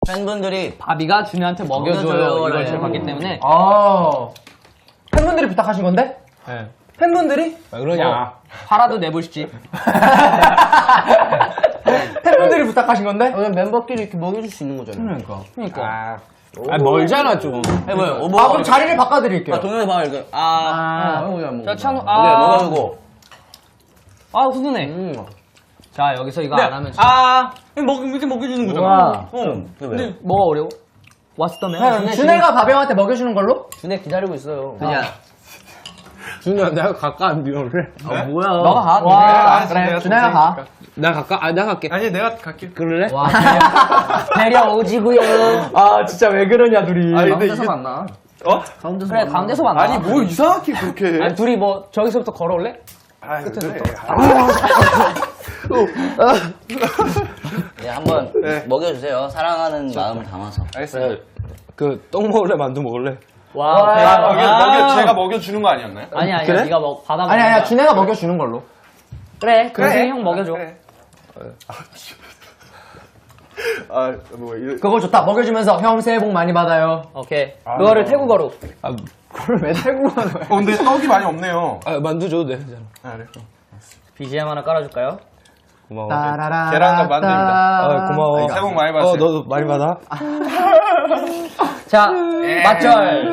팬분들이 바비가 준이한테 먹여줘요 이걸 제가 봤기 때문에. 팬분들이 부탁하신 건데? 네. 팬분들이? 왜 그러냐. 팔아도 내보시지. 팬분들이 부탁하신 건데? 멤버끼리 이렇게 먹여줄 수 있는 거잖아요. 그러니까. 멀잖아, 좀. 해봐요. 그럼 자리를 바꿔드릴게요. 동현이 봐, 이렇게. 자, 찬우, 네, 먹어주고. 훈훈해. 자, 여기서 이거 안 하면. 이렇게 먹여주는 거잖아. 근데 뭐가 어려워? 왓스더맨? 형, 준혜가 바병한테 먹여주는 걸로? 준혜 기다리고 있어요. 그냥. 준우야, 내가 갈까? 안 비워래? 뭐야. 너가 가. 와, 그래, 준혜가 가. 나 갈까? 내가 갈게. 아니 내가 갈게. 그럴래? 와, 배려 오지구요. 진짜 왜 그러냐, 둘이. 아니 근데 가운데서 이게 만나. 그래, 가운데서 만나. 아니 뭘 이상하게 그렇게 해? 아니, 둘이 뭐, 저기서부터 걸어올래? 끝에서부터. 네, 한번 네. 먹여주세요. 사랑하는 마음을 담아서. 알겠습니다. 똥 먹을래? 만두 먹을래? 와, 배려. 제가 먹여주는 거 아니었나요? 아니야, 그래? 네가 받아 먹는 아니야, 거야. 준혜가 먹여주는 걸로. 그래, 그래, 형 먹여줘. 그래. 뭐 그거 좋다. 먹여주면서 형 새해 복 많이 받아요. 오케이. 그거를 태국어로. 그걸 왜 태국어 넣어요? 근데 떡이 많이 없네요. 만두 줘도 돼. 괜찮아. 그래. BGM 하나 깔아줄까요? 고마워. 따라라. 계란과 만두입니다. 고마워. 새해 복 많이 받으세요. 너도 많이 받아. 자, 맞절.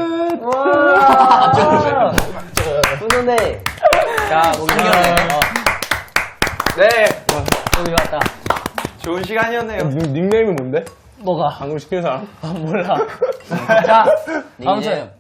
훈훈해. 자, 목요일에. 네. 여기 왔다. 좋은 시간이었네요. 닉네임이 뭔데? 뭐가? 방금 시킨 사람? 몰라. 자, 아무튼.